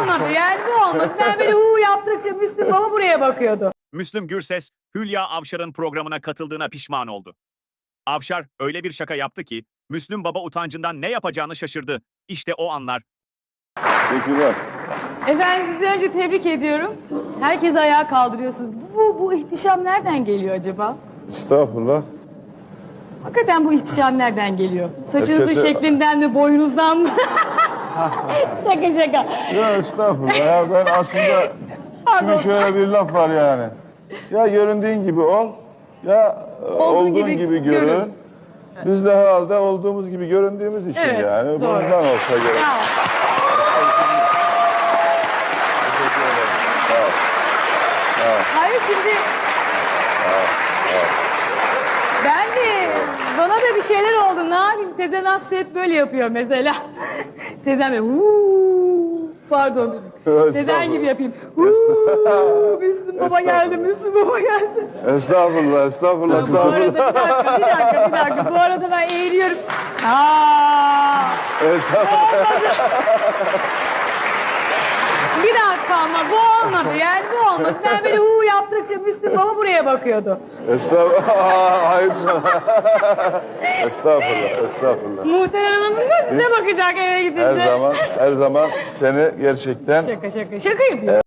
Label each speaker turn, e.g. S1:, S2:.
S1: olmadı yani bu olmadı. Ben böyle yaptıkça Müslüm Baba buraya bakıyordu.
S2: Müslüm Gürses, Hülya Avşar'ın programına katıldığına pişman oldu. Avşar öyle bir şaka yaptı ki Müslüm Baba utancından ne yapacağını şaşırdı. İşte o anlar.
S3: Teşekkürler.
S1: Efendim sizi önce tebrik ediyorum. Herkesi ayağa kaldırıyorsunuz. Bu ihtişam nereden geliyor acaba?
S3: Estağfurullah.
S1: Hakikaten bu ihtişam nereden geliyor? Saçınızın
S3: Herkese-
S1: şeklinden mi, boyunuzdan mı? Şaka şaka.
S3: Ya estağfurullah ya, ben aslında şimdi şöyle bir laf var yani. Ya göründüğün gibi ol, ya olduğun gibi görün. Biz de herhalde olduğumuz gibi göründüğümüz için
S1: Evet,
S3: yani.
S1: doğru.
S3: Bundan olsa gerek.
S1: Bravo.
S3: Teşekkür ederim. Sağ ol.
S1: Hayır şimdi... Ben de... Bana da bir şeyler oldu. Ne yapayım? Sezen Aksu hep böyle yapıyor mesela. Sezen böyle... Pardon. Sezen gibi yapayım. Müslüm Baba geldi, Müslüm Baba geldi.
S3: Estağfurullah, estağfurullah,
S1: Bu
S3: estağfurullah.
S1: arada bir dakika. Bu arada ben eğiliyorum. Aa!
S3: Estağfurullah.
S1: Bir dakika ama bu olmadı yani bu olmadı. Ben böyle yaptıkça Müslüm Baba buraya bakıyordu.
S3: Estağfurullah. Hayır sana. Estağfurullah, estağfurullah.
S1: Muhterem Hanım da size bakacak eve gidince.
S3: Her zaman seni gerçekten
S1: Şaka yapıyor.